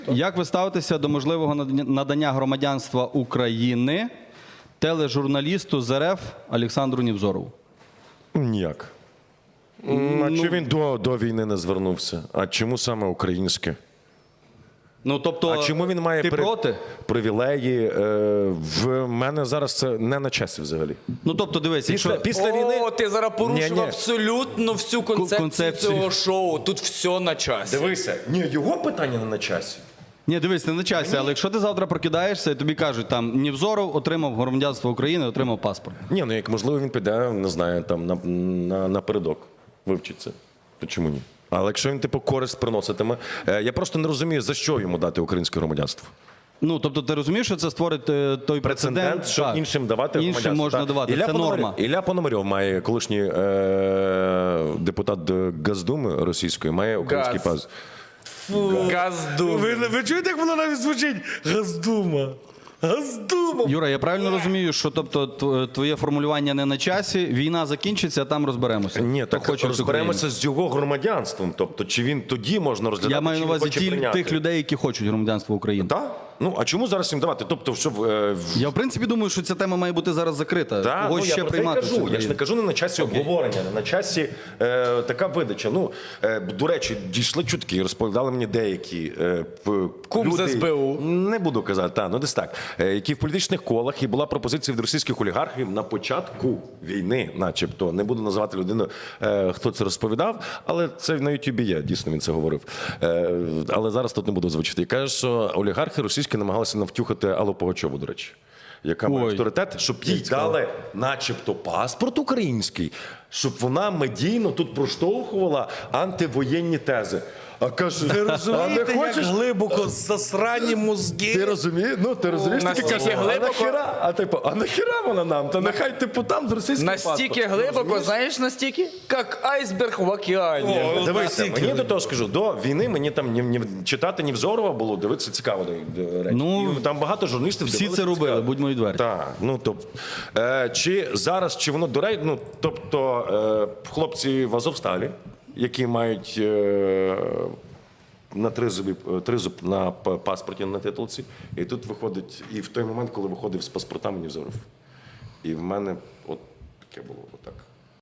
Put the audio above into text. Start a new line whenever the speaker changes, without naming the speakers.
Як ви ставитеся до можливого надання громадянства України тележурналісту з РФ Олександру Невзорову?
Ніяк. А чи він до війни не звернувся? А чому саме українське?
Ну, тобто,
А чому він має
ти проти?
привілеї? В мене зараз це не на часі взагалі.
Ну, тобто, дивись,
Після війни...
О, ти зараз порушив
Ні.
абсолютно всю концепцію цього шоу. Тут все на часі.
Дивися, ні, його питання не на часі.
Ні, дивись, не на часі, але якщо ти завтра прокидаєшся і тобі кажуть, там, Невзоров отримав громадянство України, отримав паспорт.
Ні, ну як можливо він піде, не знаю, там напередок вивчиться. То чому ні? Але якщо він типу користь приноситиме, я просто не розумію, за що йому дати українське громадянство.
Ну, тобто ти розумієш, що це створить той прецедент,
Щоб
так,
іншим давати громадянство.
іншим можна давати, це норма.
Ілля Пономарьов має, колишній депутат Госдуми російської, має український паспорт.
Газду.
Ви чуєте, як воно навіть звучить? Госдума. Госдума.
Юра, я правильно розумію, що тобто твоє формулювання не на часі, війна закінчиться, а там розберемося.
Ні,
Хто
так
хоче
розберемося з його громадянством. Тобто, чи він тоді можна розглядати,
Я маю
чи
на
він
увазі
хоче прийняти.
тих людей, які хочуть громадянство України.
Так? Ну, а чому зараз їм давати? Тобто, щоб...
Я, в принципі, думаю, що ця тема має бути зараз закрита.
Так,
Кого
ну,
ще
я про це
приймати?
й кажу. Я ж не кажу не на часі обговорення, не на часі така видача. Ну, до речі, дійшли чутки, розповідали мені деякі
Кум з СБУ.
Не буду казати, ну десь так. Які в політичних колах, і була пропозиція від російських олігархів на початку війни, начебто. Не буду називати людину, хто це розповідав, але це на Ютубі є, дійсно він це говорив. Але зараз тут не буду звучити. І каже, що олігархи російські намагалися навтюхати Аллу Пугачову, до речі, яка має авторитет, щоб їй дали начебто паспорт український, щоб вона медійно тут проштовхувала антивоєнні тези. А каже,
Ви розумієте, як глибоко засрані мозги?
ти розумієш? Ну, ти розумієш?
Настільки
Таке,
глибоко?
а нахіра вона нам? Та нехай типу там з російським
Настільки глибоко, знаєш настільки? Як айсберг в океані.
Дивися, мені до того скажу, до війни мені там читати Невзорова було, дивитися цікаво до речі.
Ну,
І там багато журналістів
Всі
дивилися
це робили,
цікаво.
будьмо відверті.
Так, ну чи зараз, чи воно до речі, ну тобто хлопці в Азовсталі, які мають на тризуб на паспорті на титулці, і тут виходить, і в той момент, коли виходив з паспортами Невзоров. І в мене от таке було отак.